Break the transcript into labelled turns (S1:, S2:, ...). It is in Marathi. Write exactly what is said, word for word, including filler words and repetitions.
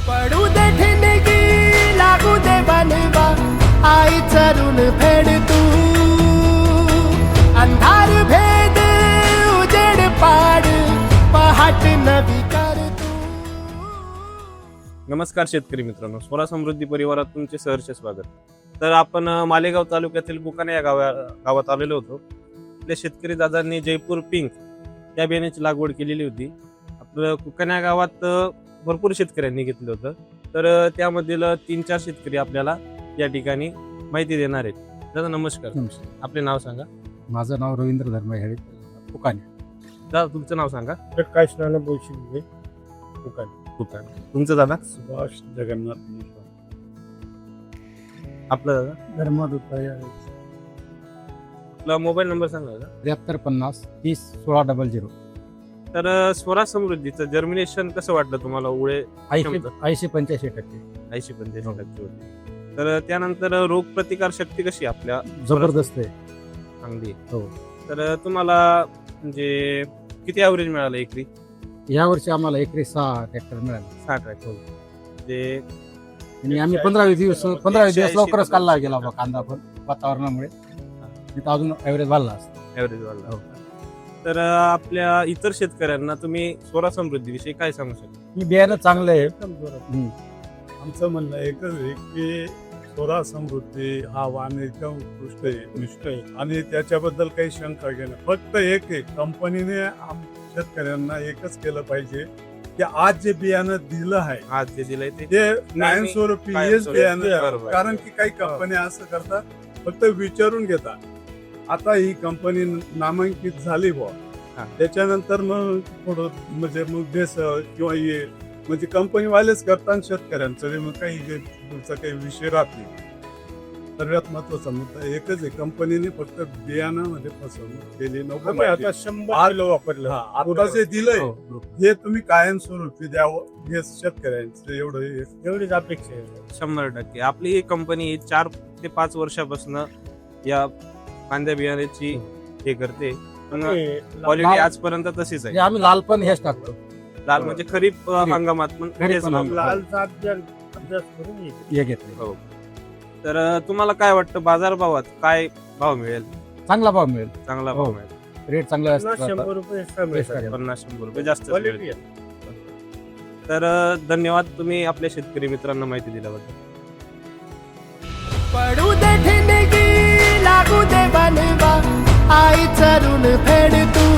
S1: पडू दे ठिणगी लागू दे बनवा आई चरून फेड तू अंधार भेद उजेड पाड पहाट नवी कर तू.
S2: नमस्कार शेतकरी मित्रांनो, स्वरा समृद्धी परिवारात तुमचे सहर्ष स्वागत. तर आपण अ, मालेगाव तालुक्यातील बुकाने या गावा गावात आलेलो होतो. आपल्या शेतकरी दादांनी जयपूर पिंक या बियाण्याची लागवड केलेली होती. आपलं कुकाण्या गावात अ, भरपूर शेतकऱ्यांनी घेतलं होतं. तर अ, त्यामधील अ, तीन चार शेतकरी आपल्याला या ठिकाणी माहिती देणार आहेत. दादा नमस्कार,
S3: नमस्कार.
S2: आपले नाव सांगा.
S3: माझं नाव रवींद्र धर्म हेळे फुकाने.
S2: दादा तुमचं नाव सांगा.
S4: प्रकाश नाना बोशिंगे दुकान
S2: कुकाण. तुमचं दादा.
S4: सुभाष जगन्नाथ
S2: आपलं दादा.
S4: धर्मादुताई
S2: आपला मोबाईल नंबर सांगा दादा.
S3: त्र्याहत्तर पन्नास तीस सोळा डबल झिरो.
S2: तर अ, स्वरा समृद्धीचं जर्मिनेशन कसं वाटलं तुम्हाला? उळे
S3: ऐंशी ऐंशी पंच्याऐंशी टक्के
S2: ऐंशी पंच्याऐंशी टक्के होते. तर त्यानंतर रोग प्रतिकार शक्ती कशी आपल्या
S3: जबरदस्त आहे.
S2: चांगली आहे.
S3: हो.
S2: तर तुम्हाला म्हणजे किती ॲव्हरेज मिळालं एकरी?
S3: या वर्षी आम्हाला एकरी सहा ट्रॅक्टर मिळाले.
S2: साठ ट्रॅक्टर म्हणजे
S3: आणि आम्ही पंधरा वीस दिवस पंधरा वीस दिवस
S2: एकशे
S3: लवकरच
S2: ऐंशी
S3: काढला गेला बा कांदा, पण वातावरणामुळे तिथं अजून ॲव्हरेज वाढला असतं.
S2: ॲव्हरेज वाढला.
S3: हो.
S2: तर आपल्या इतर शेतकऱ्यांना तुम्ही स्वरा समृद्धीविषयी काय सांगू शकता?
S3: मी बियाणं चांगलं आहे.
S4: एकदम जोरात.
S3: हम्म.
S4: आमचं म्हणणं एकच आहे की स्वरा समृद्धी हा वाण एकदम उत्कृष्ट आहे, निष्ठ आहे आणि त्याच्याबद्दल काही शंका घेणं. फक्त एक आहे, कंपनीने आम शेतकऱ्यांना एकच केलं पाहिजे की आज जे बियाणं दिलं आहे
S2: आज जे दिलंय ते
S4: ते कायमस्वरूपी हेच
S2: कायमस्वरूपी.
S4: बियाणं.
S2: बरोबर.
S4: कारण की काही कंपन्या असं करतात, फक्त विचारून घेतात. आता ही कंपनी नामांकित झाली बुवा,
S2: हा.
S4: त्याच्यानंतर मग थोडं म्हणजे मग भेसळ किंवा हे म्हणजे कंपनीवालेच करतात शेतकऱ्यांचं ते मग काही जे पुढचा काही विषय राहत नाही. सर्वात महत्वाचा मुद्दा एकच आहे, कंपनीने फक्त बियाणामध्ये फसवणूक केली नको. आता शंभर किलो वापरलं. आता जे दिलंय
S3: हो.
S4: हे तुम्ही कायमस्वरूपी द्यावं हे शेतकऱ्यांचं एवढं एवढीच अपेक्षा आहे.
S2: शंभर टक्के आपली ही कंपनी चार ते पाच वर्षापासून या कांद्या बियाण्याची हे करते, पण क्वालिटी
S3: लाल-
S2: आजपर्यंत तशीच
S3: म्हणजे
S2: आहे.
S3: आम्ही लाल पण हेच टाकतो.
S2: लाल म्हणजे खरीप अ, हंगामात पण
S3: खरीप
S2: हेच
S3: पण
S2: लावतो.
S4: लाल सात अभ्यास करून ये.
S3: हे घेतले.
S2: हो. तर अ, तुम्हाला काय वाटतं बाजारभावात काय भाव मिळेल?
S3: चांगला भाव मिळेल.
S2: चांगला भाव
S3: हो.
S2: मिळेल.
S3: रेट चांगला
S4: पन्नास
S3: असतो.
S4: शंभर रुपये extra मिळतात.
S2: पन्नास शंभर रुपये जास्त
S4: Quality
S2: मिळेल.
S4: आहे.
S2: तर अ, धन्यवाद, तुम्ही आपल्या शेतकरी मित्रांना माहिती दिल्याबद्दल.
S1: पडू दे ठिणगी लागू दे बनवा आई चरून फेड तू